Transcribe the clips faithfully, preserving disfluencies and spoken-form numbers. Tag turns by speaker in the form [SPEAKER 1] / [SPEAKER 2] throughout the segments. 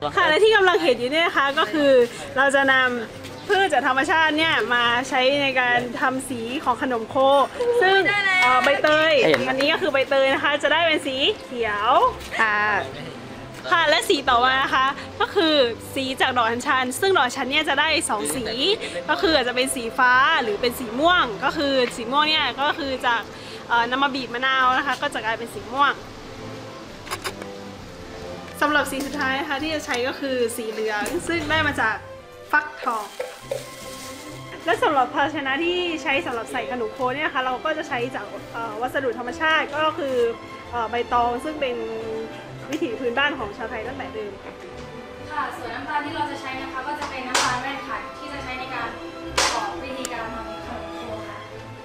[SPEAKER 1] ค่ะและที่กำลังเห็นอยู่เนี่ยนะคะก็คือเราจะนำพืชจากธรรมชาติเนี่ยมาใช้ในการทำสีของขนมโคซึ่งใบเตยอันนี้ก็คือใบเตยนะคะจะได้เป็นสีเขียวค่ะค่ะและสีต่อมานะคะก็คือสีจากดอกอัญชันซึ่งดอกอัญชันเนี่ยจะได้สองสีก็คืออาจจะเป็นสีฟ้าหรือเป็นสีม่วงก็คือสีม่วงเนี่ยก็คือจากนำมาบีบมะนาวนะคะก็จะกลายเป็นสีม่วงสำหรับสีสุดท้ายนะคะที่จะใช้ก็คือสีเหลืองซึ่งได้มาจากฟักทองและสำหรับภาชนะที่ใช้สำหรับใส่ขนมโคเนี่ยนะคะเราก็จะใช้จากวัสดุธรรมชาติก็คือใบตองซึ่งเป็นวิถีพื้นบ้านของชาวไทยตั้งแต่เดิม
[SPEAKER 2] ค่ะส่วนน้ำตาลที่เราจะใช้นะคะก็จะเป็นน้ำตาลแว่นค่ะที่จะใช้ในการประกอบวิธีการทำขนมโคค่ะ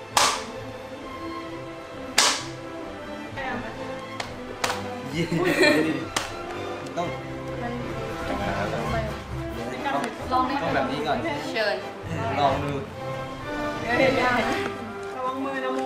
[SPEAKER 3] ต้อง
[SPEAKER 2] ลอง
[SPEAKER 3] ต้องแบบนี้ก่อน
[SPEAKER 2] เชิญ
[SPEAKER 3] ลองดู
[SPEAKER 1] ระวังมือนะโม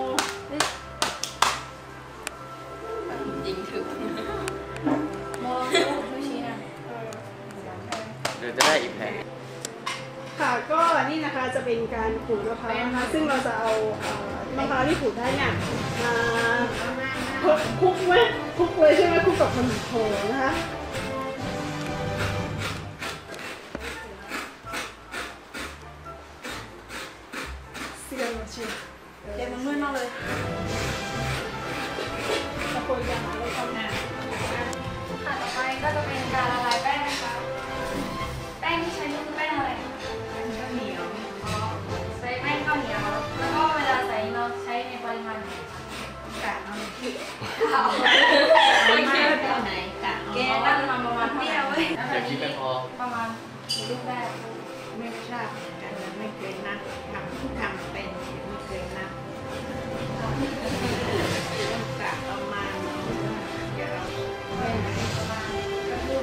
[SPEAKER 2] ยิงถึงโมดูชี้นะ
[SPEAKER 3] เดี๋ยวจะได้อีกแผง
[SPEAKER 1] ค่ะก็นี่นะคะจะเป็นการขูดมะพร้าวนะคะซึ่งเราจะเอามะพร้าวที่ขูดได้เนี่ยมาคลุกไหมคลุกเลยใช่ไหมคลุกกับขนมโคนะคะเสียงเชียวเดี๋ยวมันมืดมากเลยตะโกนอย่างไรทำงาน
[SPEAKER 2] ค่ะต่อไปก็จะเป็นการละลายแป้งนะคะแป้งที่ใช้นี่คือแป้งอะไร
[SPEAKER 1] แป้งข้าวเหนียว
[SPEAKER 2] ใช้แป้งข้าวเหนียวแล้วก็เวลาใส่เราใช้ในปริมาณกะเอาเอาไม่ใช่แบบไหนกะแกตั้งมาประมาณเท่าไหร่แล้วแบบนี้ประมาณลูกแรก
[SPEAKER 1] ไม่ทราบกันไม่เคยนับทำที่ทำเป็นไม่เคยนับกะประมาณเดี๋ยวเราประมาณก็ลูก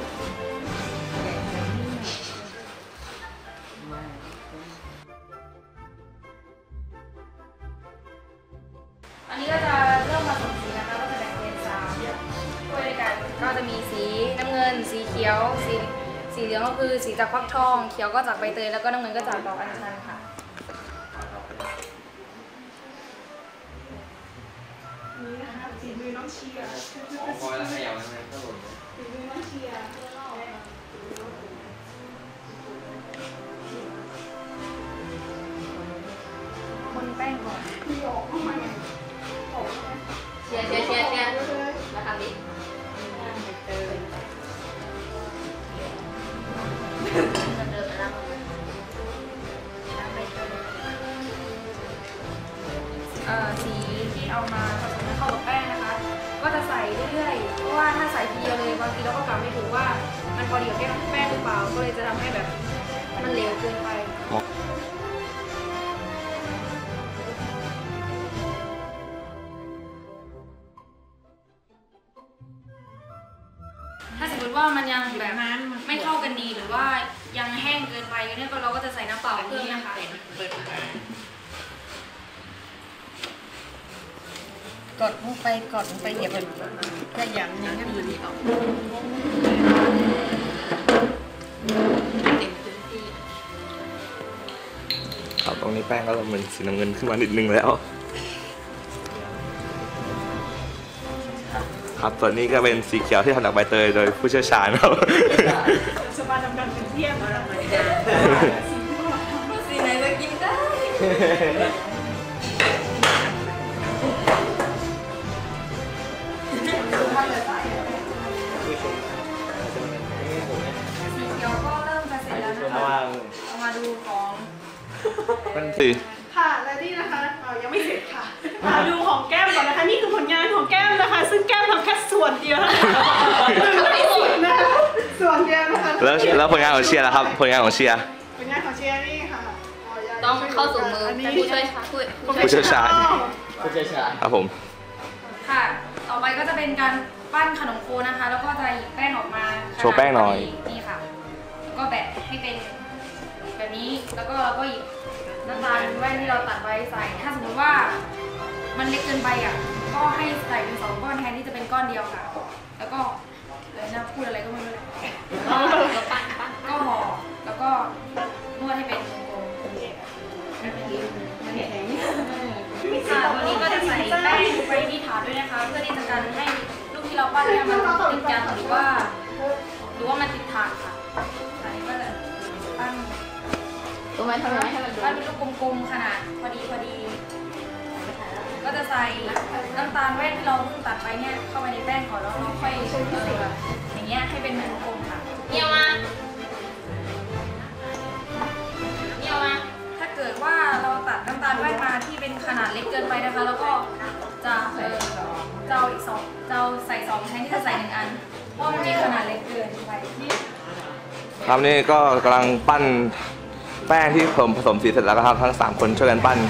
[SPEAKER 2] อันนี้ก็จะเริ่มผสมสีนะคะก็จะแบ่งเป็นสามถ้วยด้วยกันก็จะมีสีน้ำเงินสีเขียวสีสีเหลืองก็คือสีจากฟักทองเขียวก็จากใบเตยแล้วก็น้ำเงินก็จากดอกอัญชันค่ะ
[SPEAKER 1] นี่นะคะสีมือน้องเชียร์
[SPEAKER 3] พอแล้วขยับแล้วก็หล่น
[SPEAKER 1] สีมือน้องเชียร์
[SPEAKER 2] คนแป้งก่อน
[SPEAKER 1] มีออกเข้ามา
[SPEAKER 2] เชียร์เชียร์เชียร์เชียร์มาทำดิสีที่เอามาผสมให้เข้ากับแป้งนะคะก็จะใส่เรื่อยๆเพราะว่าถ้าใส่ทีเดียวเลยบางทีเราก็กะไม่ถูกว่ามันพอดีกับแป้งหรือเปล่าก็เลยจะทำให้แบบมันเหลวเกินไปถ้าสมมติว่ามันยังแบบไม่เข้ากันดีหรือว่ายังแห้งเกินไปเนี่ยเราก็จะใส่น้ำเปล่าเพิ่มนะคะ
[SPEAKER 1] กดลงไปกดลงไปเดี๋ยวมันขยำอย่างนั้นมันออก
[SPEAKER 3] ครับตรงนี้แป้งก็เหมือนสีน้ำเงินขึ้นมานิดนึงแล้วครับส่วนนี้ก็เป็นสีเขียวที่ทำจากใบเตยโดยผู้เชี่ยวชาญครับ
[SPEAKER 1] สบายทำการเป็นเที่ยงอะไร
[SPEAKER 2] สีไหนจะกินได้เอามาดูของ
[SPEAKER 3] มันสี
[SPEAKER 1] ค่ะและนี่นะคะยังไม่เสร็จค่ะมาดูของแก้มก่อนนะคะนี่คือผลงานของแก้มนะคะซึ่งแก้มทำแค่ส่วนเดียวนะคะไม่สุดนะส่วนเดียวนะคะ
[SPEAKER 3] แล้วแล้วผลงานของเชียร์ล่ะครับผลงานของเชียร์
[SPEAKER 1] ผลงานของเชียร์นี่ค่ะ
[SPEAKER 2] ต้องเข้าสู่มือผู้ช่วย
[SPEAKER 3] ผู้เชี่ยวชาญ
[SPEAKER 2] ผู้เชี่ยวชาญ
[SPEAKER 3] ครับผม
[SPEAKER 2] ค่ะต่อไปก็จะเป็นการปั้นขนมโคนะคะแล้วก็จะหยิบแป้งออกมา
[SPEAKER 3] โชว์แป้งหน่อย
[SPEAKER 2] นี่ค่ะก็แบะให้เป็นแบบนี้แล้วก็เราก็หยิบน้ำตาลแว่นที่เราตัดไว้ใส่ถ้าสมมติว่ามันเล็กเกินไปอ่ะก็ให้ใส่เป็นสองก้อนแทนที่จะเป็นก้อนเดียวค่ะแล้วก็เลยนะพูดอะไรก็ไม่รู้ก็ห่อแล้วก็นวดให้เป็นวงกลมค่ะวันนี้ก็จะใส่แป้งไปที่ฐานด้วยนะคะเพื่อที่จะกันให้ลูกที่เราปั้นเนี่ยมันติดกันหรือว่าหรือว่ามันติดฐานค่ะอันนี้ก็จะปั้น
[SPEAKER 4] ตรงไหนทำไมให้มัน
[SPEAKER 2] ปั้นเป็นลูกกลมๆขนาดพอดีพอดีก็จะใส่น้ำตาลแว่นที่เราเพิ่งตัดไปเนี่ยเข้าไปในแป้งก่อนแล้วเราค่อยเออแบบอย่างเงี้ยให้เป็นวงกลมค่ะ
[SPEAKER 4] เยี่ยมมาเยี่ยมมา
[SPEAKER 2] ถ้าเกิดว่าเราตัดน้ำตาลแว่นมาที่เป็นขนาดเล็กเกินไปนะคะ แล้วก็จะเออจะเอาอีกสองจะเอาใส่สองแทนที่จะใส่หนึ่งอันเพราะมันมีขนาดเล็กเกินไป
[SPEAKER 3] ครับนี่ก็กำลังปั้นแป้งที่ผสมผสมสีเสร็จแล้วครับทั้งสามคนช่วยกันปั้น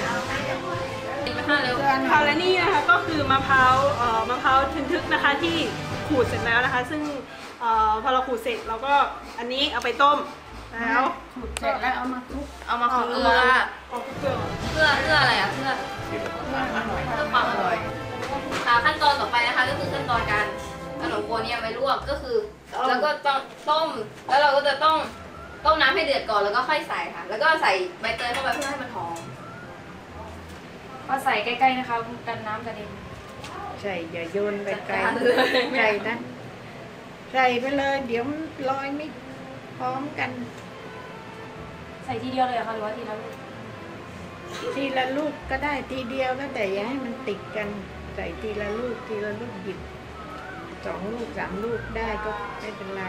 [SPEAKER 1] ค่ะและนี่นะคะก็คือมะพร้าวเอ่อมะพร้าวทึนทึกนะคะที่ขูดเสร็จแล้วนะคะ ซึ่งเอ่อพอเราขูดเสร็จเราก็อันนี้เอาไปต้มแล้วขูดเสร็จแล้วเอามาคลุก
[SPEAKER 4] เอามาคลุกเกลือ
[SPEAKER 1] เอาคลุกเกลือ
[SPEAKER 4] เพื่อเพื่ออะไรอ่ะเพื่อเพื่อความอร่อยค่ะขั้นตอนต่อไปนะคะก็คือขั้นตอนการขนมโคเนี่ยไปลวกก็คือแล้วก็ต้องต้มแล้วเราก็จะต้องต้มน้ำให้เดือดก่อนแล้วก็ค่อยใส่ค่ะ แล้วก็ใส่ใบเตยเข้าไปเพื่อให้มันหอม
[SPEAKER 2] ก็ใส่ใกล้ๆนะคะกันน้ำกระเด็น
[SPEAKER 5] ใส่อย่าโยนไปไกล
[SPEAKER 4] จัดการเลย
[SPEAKER 5] ใส่นะใส่ไปเลยเดี๋ยวมันลอยไม่พร้อมกัน
[SPEAKER 2] ใส่ทีเดียวเลยเหรอคะหรือว่าทีละลูก
[SPEAKER 5] ทีละลูกก็ได้ทีเดียวก็แต่อย่าให้มันติดกันใส่ทีละลูกทีละลูกหยิบสองลูกสามลูกได้ก็ไม่เป็นไร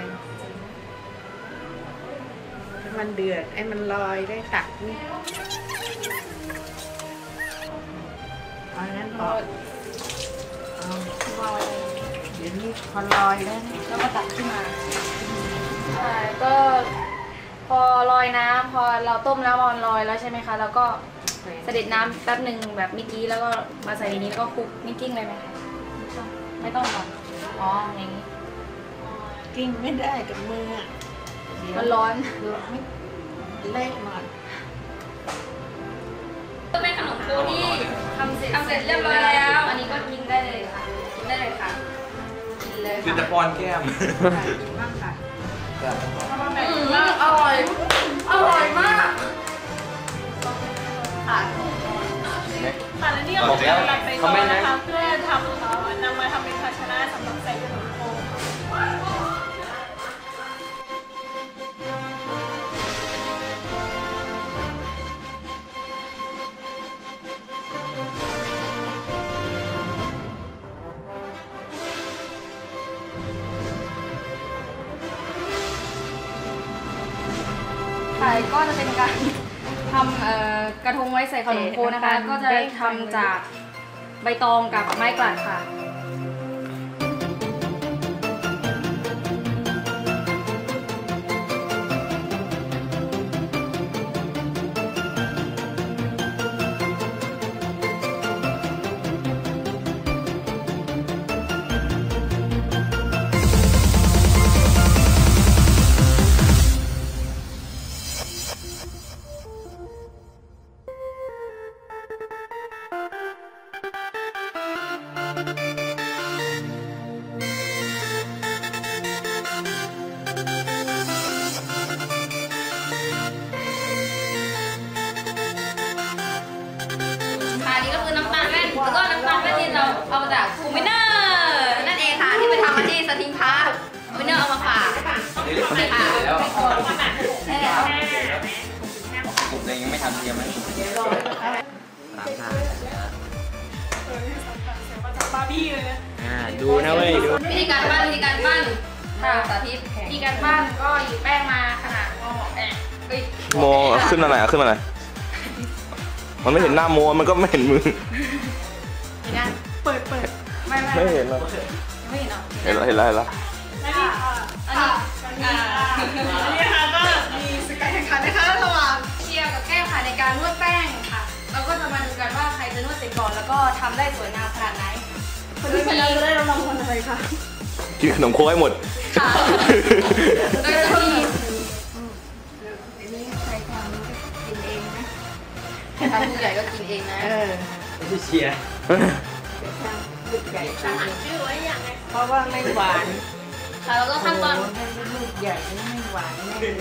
[SPEAKER 5] ถ้ามันเดือดไอ้มันลอยได้ตักนี่เอางั้นพอเอาเดี๋ยวนี้พอลอยแล้วนะ
[SPEAKER 2] แล้วก็ตักขึ้นมาใช่ก็พอลอยน้ำพอเราต้มแล้วมันลอยแล้วใช่ไหมคะแล้วก็เสด็จน้ำแป๊บหนึ่งแบบเมื่อกี้แล้วก็มาใส่ในนี้แล้วก็คลุกนี่กิ้งเลยไหมคะไม่ต้องก่อนอ๋ออย่างนี้
[SPEAKER 5] กิ้งไม่ได้กับมืออะเดี๋ยว
[SPEAKER 2] มันร้อน
[SPEAKER 5] เดี๋ยวไม่เละหมด
[SPEAKER 4] ก็เป็นขนมโคที่
[SPEAKER 2] ทำเสร็จทำเสร็จเรียบร้อยแล้ว อันนี้ก็กินได้เลยค่ะ
[SPEAKER 4] กินได้เลยค่ะกินเลย
[SPEAKER 3] คือ
[SPEAKER 4] ค่ะ
[SPEAKER 3] จะป้อนแก้ม
[SPEAKER 2] กินบ้างค่ะ
[SPEAKER 4] อืมอร่อย อร่อยมาก
[SPEAKER 1] ค่ะค่ะและนี่ก็คือหลักใบตองนะคะเพื่อทำเอ่อนำมาทำเป็นภาชนะสำหรับใส่ขนมโค
[SPEAKER 2] ค่ะก็จะเป็นการทำเอ่อกระทงไว้ใส่ขนมโคนะคะ ก็จะทำจากใบตองกับไม้กลาดค่ะ
[SPEAKER 4] ค่ะนี่ก็คือน้ำตาลแว่นแล้วก็น้ำตาลแว่นที่เราเอามาจากคูมิเนอร์นั่นเองค่ะที่ไปทำมาที่สทิงพาร์คคูมิเนอร์เอามาฝากค่ะ
[SPEAKER 6] ผมเองยังไม่ทำเทียมไหมสามชาติ
[SPEAKER 1] บาร์บี้เลยนะ
[SPEAKER 6] อ่าดูนะเว้ยดู
[SPEAKER 4] วิธีการปั้นวิธีการปั้น
[SPEAKER 2] ค่ะ
[SPEAKER 4] สาธิต
[SPEAKER 2] วิธีการปั้นก็หยิบแป้งมาขนาดพอเหมาะแอะเอ้ย
[SPEAKER 3] โมขึ้นมาหน่อยอ่ะขึ้นมาหน่อยมันไม่เห็นหน้าโมมันก็ไม่เห็นมือ
[SPEAKER 2] นี่นะ
[SPEAKER 1] เปิดเปิด
[SPEAKER 2] ไม่ไม่
[SPEAKER 3] ไม่เห็นหรอก
[SPEAKER 2] ไม่เห็นเหรอ
[SPEAKER 3] เห็นแล้วเห็นแล้วเห็นแล้ว
[SPEAKER 1] และนี่ค่ะ
[SPEAKER 4] อันนี้
[SPEAKER 1] อ่าอันนี้นะคะก็มีสกัดแข่งขันนะคะระหว่าง
[SPEAKER 2] เชียร์กับแก้วค่ะในการนวดแป้งค่ะ เราก็จะมาดูกันว่าใครจะนวดเสร็จก่อนแล้วก็ทำได้สวยงามขนาดไหน
[SPEAKER 1] คนที่ชนะจะได้รางวัลอะไรคะ
[SPEAKER 3] กินขนมโค้กให้หมด
[SPEAKER 4] ค่ะโดยจะมี
[SPEAKER 5] อันนี้ใครทำก็กินเองนะ
[SPEAKER 4] ทำผู้ใหญ่ก็กินเองนะ
[SPEAKER 5] เออ
[SPEAKER 6] ไม่ใช่เชียร์
[SPEAKER 5] จะทำลูกใหญ่กินเอง
[SPEAKER 4] ชื่อไว้อย่างไง
[SPEAKER 5] เพราะว่าไม่หวาน
[SPEAKER 4] ค่ะแล้วก็ขั้นตอน
[SPEAKER 5] โอ้โหถ้าเป็นลูกใหญ่นี่ไม่หวานแน่เลย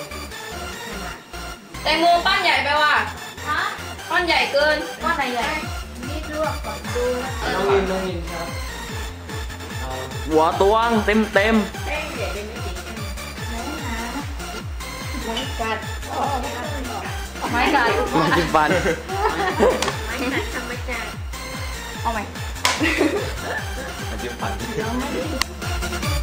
[SPEAKER 4] แตงโมปั้นใหญ่ไปว่ะ
[SPEAKER 2] ฮะ
[SPEAKER 4] ปั้นใหญ่เกิน
[SPEAKER 2] ก้อนไหนใหญ่นี่ลวกก่อนดูนะ
[SPEAKER 6] น้องวินน้องวินครับเอา
[SPEAKER 7] หัวตวงเต็มเต็ม
[SPEAKER 5] แป้งใหญ่เป็นไม่ติดไม่กัดอ๋อไม่กัด
[SPEAKER 4] ไม้กัด
[SPEAKER 7] ๆมันกินฟัน
[SPEAKER 5] ไม่กัดธรรมชาติ
[SPEAKER 4] เอาไหม
[SPEAKER 3] มันจิ้มฟัน
[SPEAKER 5] เราไม่ได้